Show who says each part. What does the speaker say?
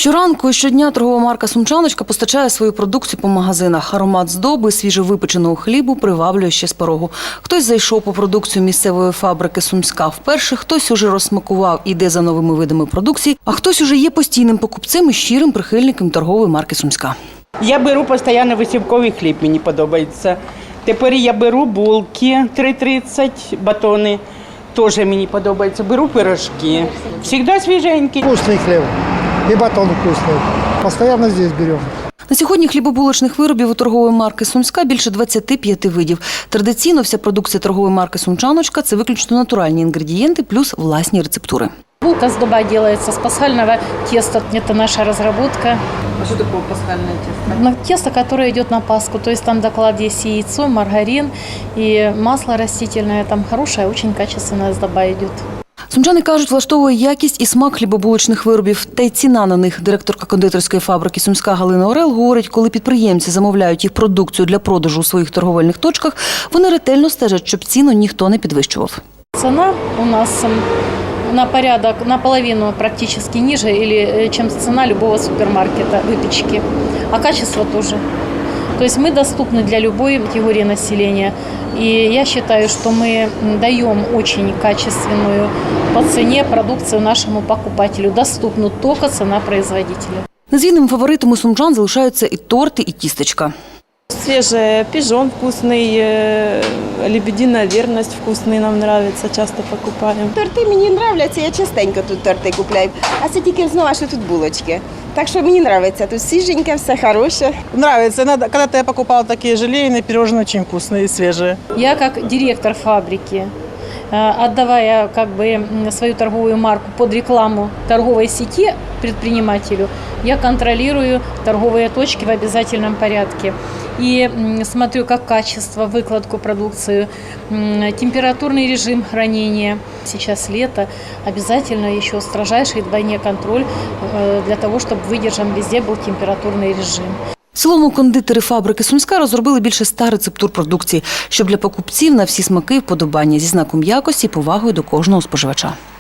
Speaker 1: Щоранку і щодня торгова марка «Сумчаночка» постачає свою продукцію по магазинах. Аромат здоби, свіжовипеченого хлібу приваблює ще з порогу. Хтось зайшов по продукцію місцевої фабрики «Сумська» вперше, хтось уже розсмакував і йде за новими видами продукції, а хтось уже є постійним покупцем і щирим прихильником торгової марки «Сумська».
Speaker 2: Я беру постійно висівковий хліб, мені подобається. Тепер я беру булки 3,30, батони, теж мені подобається. Беру пирожки, завжди свіженькі.
Speaker 3: Вкусный хлеб и батон вкусный. Постоянно здесь берем.
Speaker 1: На сьогодні хлібобулочних виробів у торгової марки «Сумська» більше 25 видів. Традиційно вся продукція торгової марки «Сумчаночка» – це виключно натуральні інгредієнти плюс власні рецептури.
Speaker 4: Булка сдоба делается с пасхального теста. Это наша разработка.
Speaker 2: А що таке пасхальне тісто?
Speaker 4: Тесто, которое идет на Пасху. То есть там доклад есть яйцо, маргарин и масло растительное. Там хорошая, очень качественная сдоба идет.
Speaker 1: Сумчани кажуть, влаштовує якість і смак хлібобулочних виробів, та й ціна на них. Директорка кондитерської фабрики «Сумська» Галина Орел говорить, коли підприємці замовляють їх продукцію для продажу у своїх торговельних точках, вони ретельно стежать, щоб ціну ніхто не підвищував.
Speaker 4: Цена у нас на порядок, наполовину практически ниже, чем цена любого супермаркета выпечки. А качество тоже. То есть мы доступны для любой категории населения. И я считаю, что мы даем очень качественную по цене продукцию нашему покупателю. Доступна только цена производителя.
Speaker 1: Незмінним фаворитом у сумчан залишаються і торти, і тістечка.
Speaker 5: Свежий пижон вкусный, лебединая верность вкусный, нам нравится, часто покупаем.
Speaker 6: Торти мені подобаються, я частенько тут торти купляю. А це тільки знову, що тут булочки. Так що мені подобається, тут свіженьке, все хороше.
Speaker 7: Нравится. Когда-то я покупала такие желейные пирожные, очень вкусные и свежие.
Speaker 4: Я как директор фабрики, отдавая свою торговую марку под рекламу торговой сети предпринимателю, я контролирую торговые точки в обязательном порядке. И смотрю как качество, выкладку продукции, температурный режим хранения. Сейчас лето, обязательно еще строжайший двойной контроль для того, чтобы выдержан везде был температурный режим.
Speaker 1: В цілому кондитери фабрики «Сумська» розробили більше 100 рецептур продукції, щоб для покупців на всі смаки і вподобання зі знаком якості і повагою до кожного споживача.